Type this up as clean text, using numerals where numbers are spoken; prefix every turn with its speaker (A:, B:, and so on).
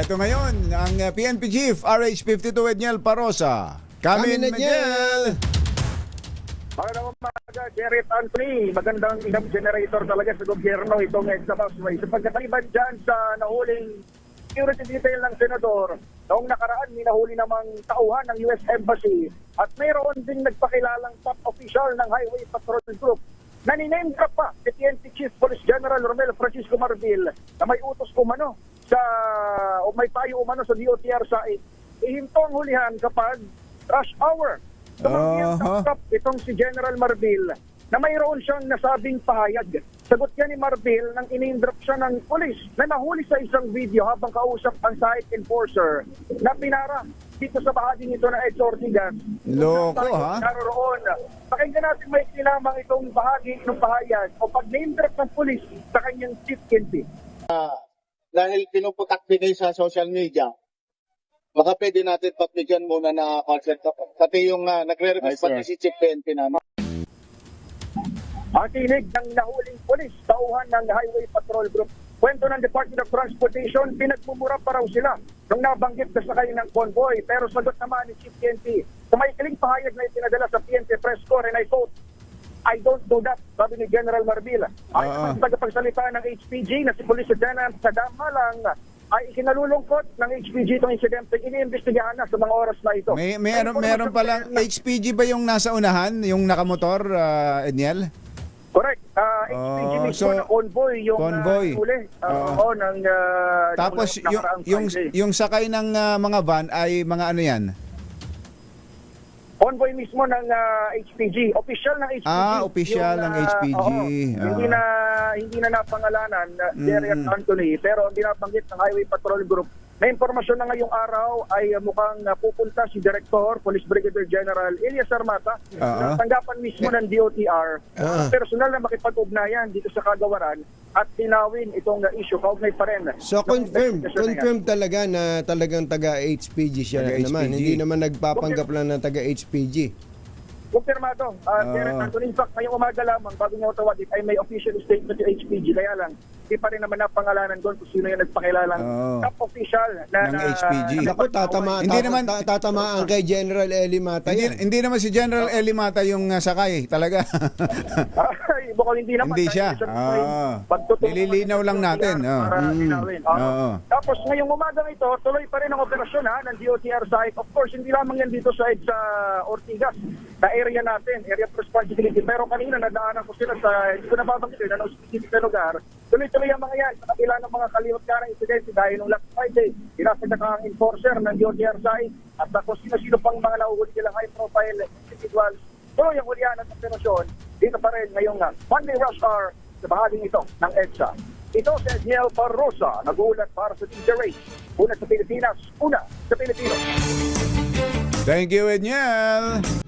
A: Eto ngayon, ang PNP Chief RH52 Edniel Parosa. Kami Edniel!
B: Magandang umaga, Jared Anthony. Magandang income generator talaga sa gobyerno itong EDSA Busway. Sapagkat ang iban dyan sa nahuling security detail ng Senador, noong nakaraan may nahuli namang tauhan ng US Embassy at mayroon ding nagpakilalang top official ng Highway Patrol Group na niname drop pa si PNP Chief Police General Romel Francisco Marbil na may utos umano o may payo umano sa DOTR sa ihinto ang hulihan kapag rush hour. Tumanggi itong si General Marbil na mayroon siyang nasabing pahayag. Sagot niya ni Marbil nang in-drop siya ng pulis na nahuli sa isang video habang kausap ang site enforcer na pinara dito sa bahaging ito na EDSA Ortigas.
A: Loko ha?
B: Naroon. Pakinggan natin may kinamang itong bahagi ng pahayag o pag-name drop ng pulis sa kanyang chief PNP.
C: Dahil pinuputakti kayo sa social media, baka pwede natin pagbigyan muna na consent. Pati yung nagre-request pati si Chief PNP namin.
B: Ang tinig ng nahuling polis, tauhan ng Highway Patrol Group. Kwento ng Department of Transportation, pinagmumura pa raw sila nung nabanggit na sakay ng convoy. Pero sagot naman ni Chief PNP, sa maikling pahayag na itinadala sa PNP press corps, and I quote, I don't do that, sabi ni General Marbil. Ay naman sa tagapagsalita ng HPG na si Police Lieutenant Sadama lang ay ikinalulungkot ng HPG itong insidente. Iniimbestigahan na sa mga oras na ito.
A: Meron palang HPG ba yung nasa unahan, yung nakamotor, Edniel?
B: Correct. HPG mismo na convoy yung huli.
A: Tapos yung sakay ng mga van ay mga ano yan?
B: Convoy mismo ng HPG. Official ng HPG.
A: Official ng HPG.
B: Hindi na napangalanan Jared Anthony, pero ang binabanggit ng Highway Patrol Group na impormasyon na ngayong araw ay mukhang pupunta si Director, Police Brigadier General Elias Armata sa tanggapan mismo ng DOTR. Personal na makipag-ugnayan dito sa kagawaran at tinawin itong issue. Kaugnay pa rin.
D: So confirm talaga na talagang taga-HPG siya naman. Hindi naman nagpapanggap lang na taga-HPG.
B: Kumpirmado. Jared Anthony, in fact, ngayong umaga lamang bago niya tawagin ay may official statement yung HPG. Kaya lang, hindi pa rin naman napangalanan doon kung sino yung nagpakilalang top official ng HPG.
D: Naku, tatamaan kay General Eli Mata yan.
A: Hindi naman si General Eli Mata yung sakay, talaga.
B: Mukhang hindi naman.
A: Hindi siya. Nililinaw lang natin.
B: Tapos ngayong umagang ito, tuloy pa rin ang operasyon ng DOTR site. Of course, hindi lamang yan dito sa Ortigas, na area natin, area of responsibility. Pero kanina nadaanan ko sila sa, hindi ko nababanggit na specific na lugar. Tuloy-tuloy ang mga yan sa kabila ng mga kalimot ka ng insidente dahil nung last Friday, pinasagdak ang enforcer ng DOTR site at kung sino-sino pang mga nahuhuli nilang high-profile individuals. Tuloy ang hulihan at operasyon dito pa rin ngayong Monday rush hour sa bahaging ito ng EDSA. Ito si Edniel Parosa, nag-uulat para sa DJ Race. Una sa Pilipinas, una sa Pilipino.
A: Thank you, Edniel.